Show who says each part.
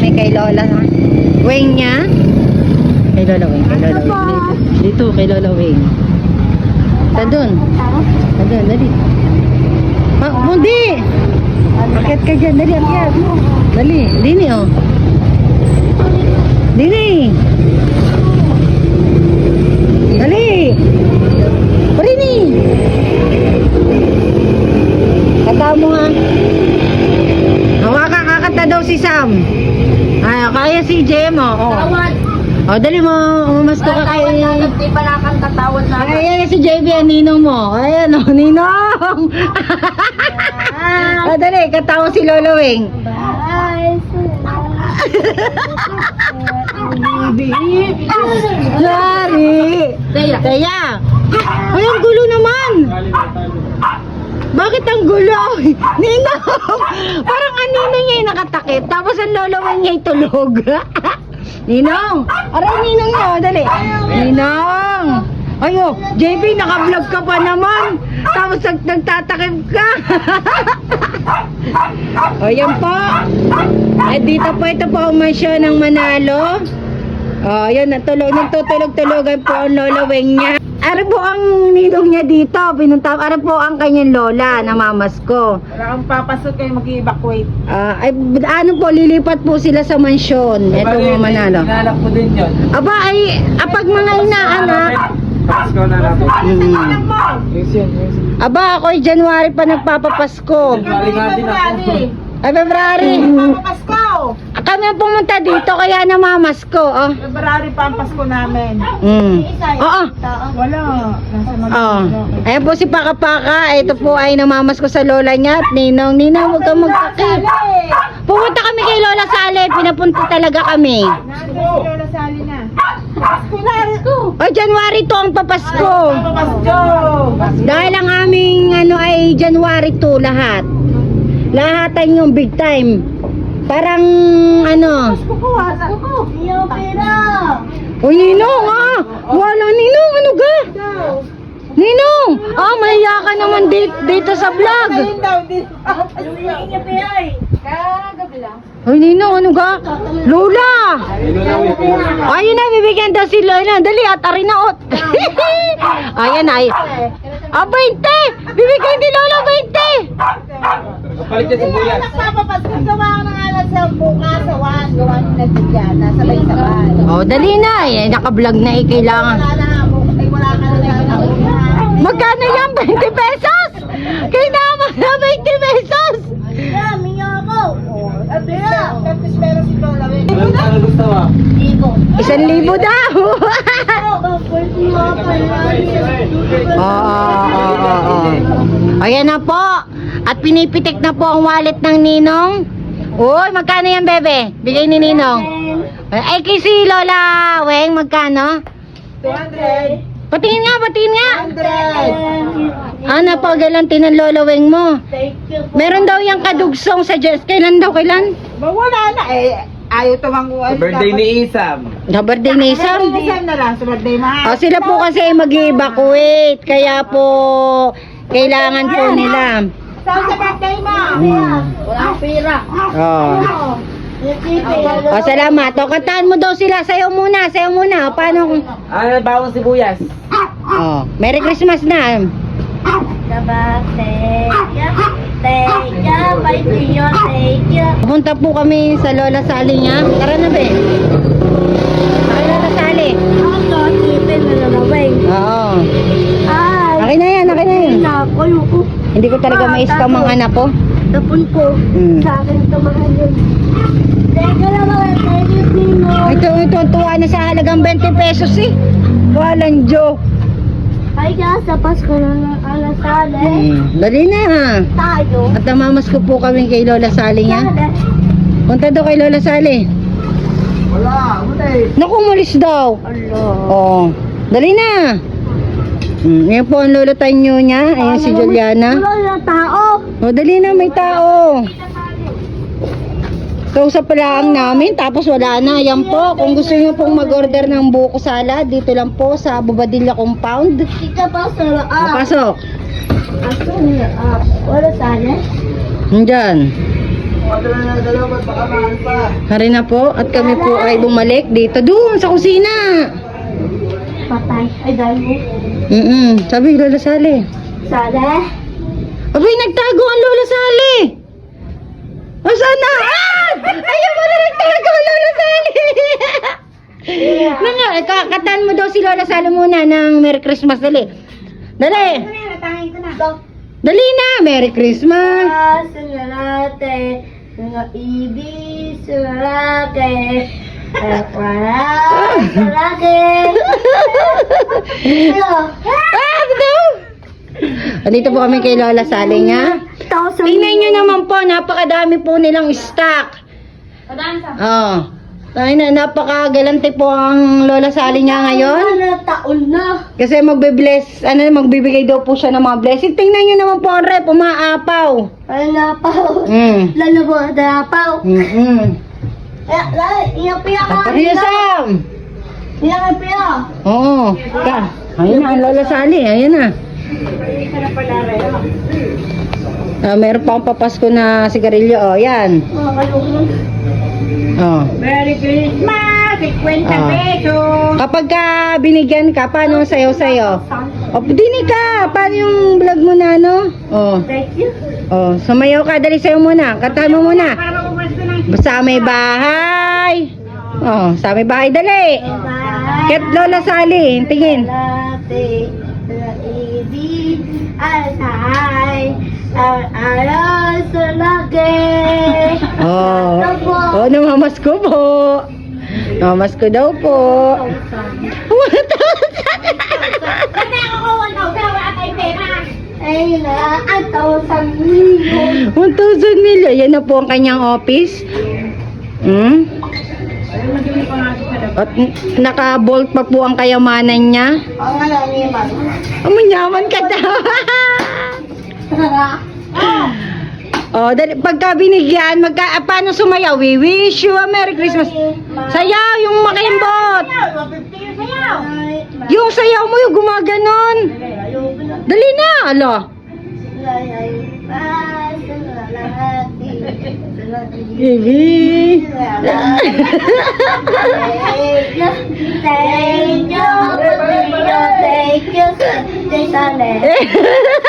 Speaker 1: kami kay Lola Weng niya. Kay Lola Weng, kay Lola Weng. Dito, kay Lola Weng. Doon, dali. Hindi! Akit ka dyan, dali, akit. Dali, dini oh. Dini! Dali! Parini! Kata mo nga. Kakakata daw si Sam. Ay, kaya si Jem oh. Oh, dali mo, umasto ka kay...
Speaker 2: Di pala kang tatawad na.
Speaker 1: Ayan si JB, ang ninong mo. Ayan o, ninong! Oh, dali, katawa si Lolo Weng. Sorry! Kaya! Ay, ang gulo naman! Bakit ang gulo? Ninong! Parang ang ninong niya yung nakatakip, tapos ang Lolo Weng niya yung tulog. Ninong! Aray, ninong niya, dali. Ninong! Ayo, JB, naka-vlog ka pa naman. Tapos nagtatakip ka. O, yan po. At dito po, ito po ang mansyon ng Manalo. O, yan, nagtutulog-tulogan po ang Lola Weng niya. Ano po ang ninong niya dito? Pinunta, ano po ang kanyang lola na mamas ko?
Speaker 2: Wala kang papasok kayo mag-evacuate.
Speaker 1: Ay, ano po, lilipat po sila sa mansyon. Ito mga Manalo.
Speaker 3: Inaalak mo din yun.
Speaker 1: Aba, ay, apag mga inaanak.
Speaker 3: Pasko na natin. Yes, yan.
Speaker 1: Aba, ako'y January pa nagpapapasko.
Speaker 3: January nga din ako.
Speaker 1: Ay, February.
Speaker 2: Pasko!
Speaker 1: Kami ang pumunta dito, kaya namamas ko. Oh.
Speaker 2: February pa ang Pasko namin.
Speaker 1: Oo.
Speaker 2: Wala. Nasa
Speaker 1: Oh. Ayan po si Paka Paka. Ito po ay namamas ko sa lola niya at ninong. Ninong, huwag kang magtakip. Pumunta kami kay Lola Sale. Pinapunta talaga kami.
Speaker 2: Nandun si Lola Sally na. Pasko na!
Speaker 1: Ay, January to ang papasko.
Speaker 2: Pasko!
Speaker 1: Dahil ang aming ano ay January 2 lahat. Lahatan yung big time. Parang ano.
Speaker 2: Pasko ko! Iyo pera!
Speaker 1: Uy, Ninong ah! Wala, Ninong, ano ga? Ninong! Ah, mahiya ka naman dito sa vlog.
Speaker 2: Ayun daw, dito. Iyo pera eh. Kagabi lang.
Speaker 1: Uy, Ninong, ano ga? Lola! Ayun na, bibigyan daw si Lola. Dali, at arinaot. Ayan ay. Ah, 20! Bibigyan ni Lola 20!
Speaker 3: Kapalit niya si Buyas.
Speaker 2: Nagpapapasko gawa ko ng alas sa bukas sa wan. Gawa ni Nagbigyan. Sabay-sabay.
Speaker 1: Oh, dali na. Eh, naka-vlog na eh, kailangan.
Speaker 2: Wala na. Ay, wala ka na lang.
Speaker 1: Magkano yan? 20 pesos? Kailangan na 20 pesos!
Speaker 2: Yeah, minyo ako. At least meron si Lola.
Speaker 3: Ano gusto mo?
Speaker 1: 1,000 daw! Oo. Ayan na po. At pinipitik na po ang wallet ng Ninong. Uy, magkano yan, bebe? Bigay ni Ninong. Ay, kay si Lola Weng, magkano?
Speaker 2: 200.
Speaker 1: Patingin nga.
Speaker 2: 100.
Speaker 1: Ah, napagalanti ng Lola Weng mo.
Speaker 2: Thank you.
Speaker 1: Meron daw yung kadugsong sa Jess. Kailan daw?
Speaker 2: Ba, wala na eh. Ayaw tumangguan.
Speaker 3: Sa birthday ni Isam.
Speaker 1: Sa birthday ni Isam.
Speaker 2: Isam na lang sa birthday mahal.
Speaker 1: Oh, sila po kasi mag-evacuate. Kaya po, kailangan po nila.
Speaker 2: Saan sa birthday mo? Wala pera.
Speaker 1: Oh. Oh, salamat. O, kantahan mo daw sila. Sayaw muna. O, paano kung...
Speaker 3: Ano bawang sibuyas?
Speaker 1: Oh, Merry Christmas na. Pupunta po kami sa Lola Sally niya. Tara na, be. Ay, Lola Sally. Oo. Akin na yan. Hindi ko talaga ma-scam ang anak ko.
Speaker 4: Tapon ko. Sa akin ito mahal yun. Teka lang mga thank you.
Speaker 1: Ito, tuwa na sa halagang 20 pesos eh. Walang joke.
Speaker 4: Ay ka sa Pasko na ng alasale.
Speaker 1: Dali na ha.
Speaker 4: Tayo.
Speaker 1: At namamas ko po kami kay Lola Sally niya.
Speaker 4: Sale.
Speaker 1: Punta daw kay Lola Sally.
Speaker 3: Wala, eh.
Speaker 1: Naku, umalis daw. Oh, dali na. Yan po ang lolo tanyo niya. Ayan si Juliana.
Speaker 4: Wala na tao.
Speaker 1: Oh, dali na, may tao. Kausap pala ang namin, tapos wala na. Yan po, kung gusto nyo pong mag-order ng buko salad, dito lang po sa Bobadilla Compound.
Speaker 4: Ika pa sa laap.
Speaker 1: Pasok.
Speaker 4: Aso niya. Wala sale.
Speaker 1: Nandyan. Hari na po at kami po ay bumalik dito doon sa kusina.
Speaker 4: Patay. Ay, dahil mo.
Speaker 1: Sabi Lola Sally.
Speaker 4: Sada.
Speaker 1: Abay, nagtago ang Lola Sally. O sana? Ah! Ayaw mo na nagtago ang Lola Sally. Mga, katan mo daw si Lola Sally muna ng Merry Christmas. Dali. Dali.
Speaker 2: Natangin ko na.
Speaker 1: Dali na. Merry Christmas.
Speaker 4: Sungalate. Mga ibig. Sungalate. Wala. Sungalate.
Speaker 1: Ah, daw. Andito po kami kay Lola Sally nga. Tingnan nyo naman po, napakadami po nilang stock. Oh. Ay na, napakagalante po ang Lola Sally niya ngayon.
Speaker 4: Taon na.
Speaker 1: Kasi magbe-bless, magbibigay daw po siya ng mga blessing. Tingnan nyo naman po ang rep, umaapaw.
Speaker 4: Ay, napaw.
Speaker 1: Mm.
Speaker 4: Lalo mo, napaw. Iyapiya ka.
Speaker 1: Kapariasam.
Speaker 4: Iyapiya.
Speaker 1: Oo. Ayun na ang Lola Sally, ayun na. Meron pa akong papasko na sigarilyo, oh, yan. Oh.
Speaker 2: Merry Christmas! 50
Speaker 1: Ah.
Speaker 2: pesos!
Speaker 1: Kapag ka binigyan ka, paano sayo-sayo? O, dinig ka. Paano yung vlog mo na, no? Oh.
Speaker 4: Thank you.
Speaker 1: Oh, sumayaw ka. Dali sayo muna. Kantahan mo muna.
Speaker 2: Para mapumasko ng
Speaker 1: Sa may bahay. Oh, sa may bahay. Dali.
Speaker 4: Bye.
Speaker 1: Ket Lola Sally. Tingin.
Speaker 4: Late. Ibig. Alay. Aral sa lagi.
Speaker 1: Oh. Oh, namamasko po. Namamasko daw po.
Speaker 2: Kasi ako ko 1,000 wala tayong pera!
Speaker 4: Ay na, ang tawag million.
Speaker 1: 1,000 million. Yan na po ang kanyang office. At naka-bolt pa po ang kayamanan niya.
Speaker 4: Ang ano ni Mama.
Speaker 1: Amunyaman ka daw. Oh, dali, pagka binigyan, paano sumayaw? We wish you a Merry Christmas. Sayaw, yung makaimbot.
Speaker 2: 150 yung sayaw!
Speaker 1: Yung sayaw mo, yung gumaganon. Dali na, alo. Baby.
Speaker 4: Thank you.